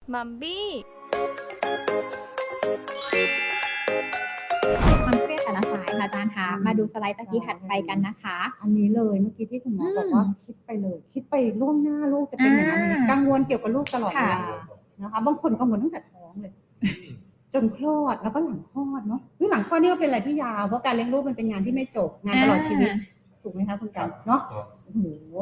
มัมบี้ความเครียดแต่ละสายค่ะอาจารย์คะมาดูสไลด์ตะกี้ถัดไปกันนะคะอันนี้เลยเมื่อกี้ที่คุณหมอบอกว่าคิดไปเลยคิดไปล่วงหน้าลูกจะเป็นอย่างนั้นอย่างนี้กังวลเกี่ยวกับลูกตลอดเวลานะคะบางคนกังวลตั้งแต่ท้องเลยจนคลอดแล้วก็หลังคลอดเนาะหลังคลอดนี่ก็เป็นอะไรที่ยาวเพราะการเลี้ยงลูกมันเป็นงานที่ไม่จบงานตลอดชีวิตถูกไหมคะคุณกันเนาะโอ้โห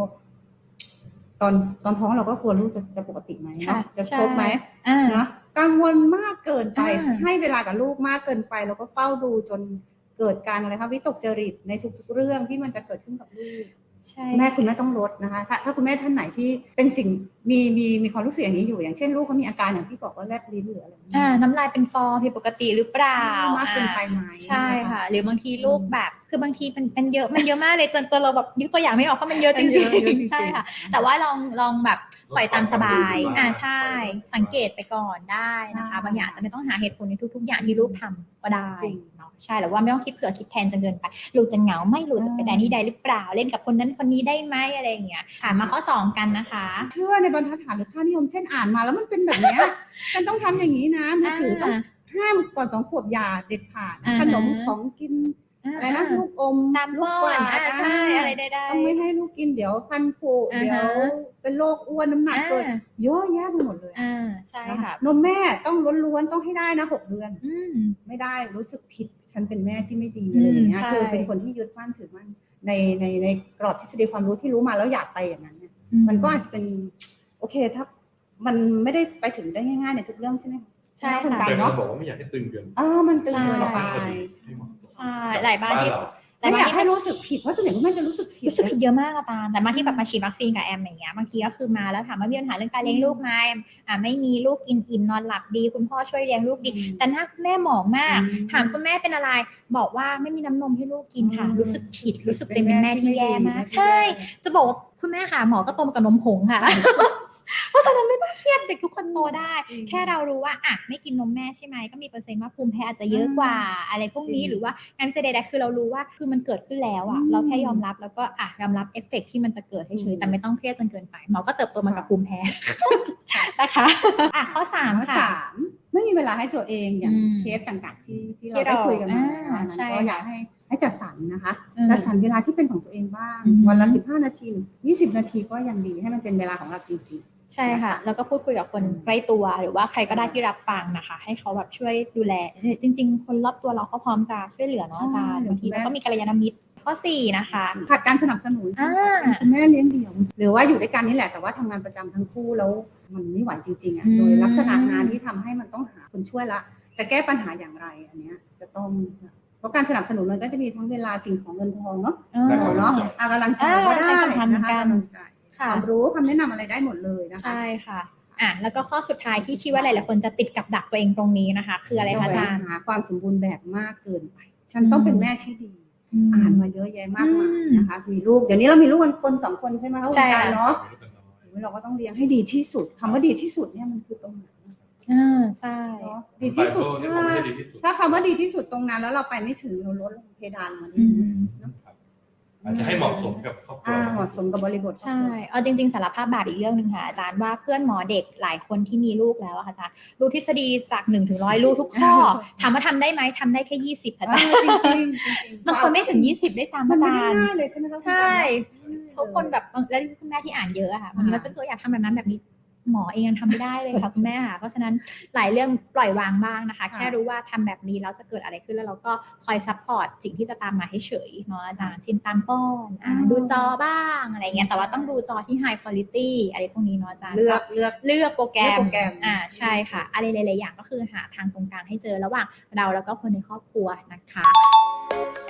ตอนท้องเราก็กลัวลูกจะปกติไหมเนาะจะครบไหมนะกังวลมากเกินไปให้เวลากับลูกมากเกินไปเราก็เฝ้าดูจนเกิดการอะไรคะวิตกจริตในทุกๆเรื่องที่มันจะเกิดขึ้นกับลูกแม่คุณแม่ต้องลดนะคะถ้าคุณแม่ท่านไหนที่เป็นสิ่งมีความรู้สึกอย่างนี้อยู่อย่างเช่นลูกเขามีอาการอย่างที่บอกว่าแลบลิ้นหรืออะไรน้ำลายเป็นฟองผิดปกติหรือเปล่ามากเกินไปไหมใช่ค่ะหรือบางทีลูกแบบคือบางทีมันเยอะมากเลยจนเราแบบยกตัวอย่างไม่ออกเพราะมันเยอะจริงๆใช่ค่ะแต่ว่าลองแบบปล่อยตามสบายใช่สังเกตไปก่อนได้นะคะบางอย่างจะไม่ต้องหาเหตุผลในทุกๆอย่างที่ลูกทำก็ได้ใช่หรือว่าไม่ต้องคิดเผื่อคิดแทนจนเกินไปลูกจะเหงาไม่ลูกจะไปได้นี่ได้หรือเปล่าเล่นกับคนนั้นคนนี้ได้ไหมอะไรอย่างเงี้ยค่ะมาข้อ2กันนะคะเชื่อในบรรทัดฐานหรือค่านิยมเช่นอ่านมาแล้วมันเป็นแบบนี้ฉันต้องทำอย่างนี้นะมือถือต้องห้ามก่อน2 ขวบอย่าเด็ดขาดขนมของกินอะไรนะลูกอมตามป้อนใช่อะไรได้ต้องไม่ให้ลูกกินเดี๋ยวพันผุเดี๋ยวเป็นโรคอ้วนน้ำหนักเกินเยอะแยะไปหมดเลยใช่ค่ะนมแม่ต้องล้วนๆต้องให้ได้นะ6 เดือนไม่ได้รู้สึกผิดฉันเป็นแม่ที่ไม่ดีอะไรอย่างเงี้ยคือเป็นคนที่ยึดมั่นถือมั่นในกรอบทฤษฎีความรู้ที่รู้มาแล้วอยากไปอย่างนั้นเนี่ยมันก็อาจจะเป็นโอเคถ้ามันไม่ได้ไปถึงได้ง่ายๆในทุกเรื่องใช่ไหมใช่ค่ะแต่เราบอกว่าไม่อยากให้ตึงเกินมันตึงเกินไปใช่หลายบ้านที่ไม่อยากให้รู้สึกผิดเพราะส่วนใหญ่คุณแม่จะรู้สึกผิดเยอะมากอาจารย์แต่มาที่แบบมาฉีดวัคซีนกับแอมอย่างเงี้ยบางทีก็คือมาแล้วถามว่ามีปัญหาเรื่องการเลี้ยงลูกไหมไม่มีลูกกินอิ่มนอนหลับดีคุณพ่อช่วยเลี้ยงลูกดีแต่หน้าคุณแม่หมองมากถามคุณแม่เป็นอะไรบอกว่าไม่มีน้ำนมให้ลูกกินค่ะรู้สึกผิดรู้สึกเป็นแม่ที่แย่มากใช่จะบอกว่าคุณแม่ค่ะหมอก็โตมากับนมผงค่ะเพราะฉะนั้นไม่ต้องเครียดเด็กทุกคนโตได้แค่เรารู้ว่าไม่กินนมแม่ใช่ไหมก็มีเปอร์เซ็นต์ว่าภูมิแพ้อาจจะเยอะกว่าอะไรพวกนี้หรือว่างานวิจัยใดๆคือเรารู้ว่าคือมันเกิดขึ้นแล้วเราแค่ยอมรับแล้วก็ยอมรับเอฟเฟกต์ที่มันจะเกิดเฉยๆแต่ไม่ต้องเครียดจนเกินไปหมอก็เติบโตมากับภูมิแพ้นะคะข้อ3ค่ะไม่มีเวลาให้ตัวเองอย่างเคสต่างๆที่เราได้คุยกันมาก็อยากให้จัดสรรนะคะจัดสรรเวลาที่เป็นของตัวเองบ้างวันละ15 นาที20 นาทีก็ยังดีให้มันเป็นเวลาของเราจริงๆใช่ค่ะแล้วก็พูดคุยกับคนใกล้ตัวหรือว่าใครก็ได้ที่รับฟังนะคะให้เขาแบบช่วยดูแลจริงๆคนรอบตัวเราเขาพร้อมจะช่วยเหลือเนาะอาจารย์บางทีเราก็มีกัลยาณมิตรข้อ4นะคะขาดการสนับสนุนคุณแม่เลี้ยงเดี่ยวหรือว่าอยู่ด้วยกันนี่แหละแต่ว่าทำงานประจำทั้งคู่แล้วมันไม่ไหวจริงๆโดยลักษณะงานที่ทำให้มันต้องหาคนช่วยละจะแก้ปัญหาอย่างไรอันนี้จะต้องเพราะการสนับสนุนมันก็จะมีทั้งเวลาสิ่งของเงินทองเนาะกำลังใจก็ได้นะคะกำลังใจความรู้คำแนะนำอะไรได้หมดเลยนะคะใช่ค่ะแล้วก็ข้อสุดท้ายที่คิดว่าหลายๆคนจะติดกับดักตัวเองตรงนี้นะคะคืออะไรคะอาจารย์หาความสมบูรณ์แบบมากเกินไปฉันต้องเป็นแม่ที่ดีอ่านมาเยอะแยะมากมายนะคะมีลูกเดี๋ยวนี้เรามีลูกกันคน2 คนใช่ไหมคะคุณการเนาะเราก็ต้องเลี้ยงให้ดีที่สุดคำว่าดีที่สุดเนี่ยมันคือตรงไหนใช่ดีที่สุดถ้าคำว่าดีที่สุดตรงนั้นแล้วเราไปไม่ถึงเราลดลงเพดานมันอาจจะให้เหมาะสมกับครอบครัวเหมาะสมกับบริบทใช่เอาจริงๆสารภาพบาปอีกเรื่องนึงค่ะอาจารย์ว่าเพื่อนหมอเด็กหลายคนที่มีลูกแล้วค่ะอาจารย์รู้ทฤษฎีจาก1 ถึง 100รู้ทุกข้อถามว่าทำได้ไหมทำได้แค่20อาจารย์จริงบางคนไม่ถึง20ได้ซ้ำอาจารย์มันไม่ได้ง่ายเลยใช่ไหมคะใช่ทุกคนแบบแล้วคุณแม่ที่อ่านเยอะค่ะมันก็จะอยากทำแบบนั้นแบบนี้หมอเองยังทำไม่ได้เลยค่ะคุณแม่ค่ะเพราะฉะนั้นหลายเรื่องปล่อยวางบ้างนะคะแค่รู้ว่าทำแบบนี้แล้วจะเกิดอะไรขึ้นแล้วเราก็คอยซัพพอร์ตสิ่งที่จะตามมาให้เฉยเนาะอาจารย์ชินตามป้อนดูจอบ้างอะไรเงี้ยแต่ว่าต้องดูจอที่ high quality อะไรพวกนี้เนาะอาจารย์เลือกโปรแกรมใช่ค่ะอะไรหลายๆอย่างก็คือหาทางตรงกลางให้เจอระหว่างเราแล้วก็คนในครอบครัวนะคะ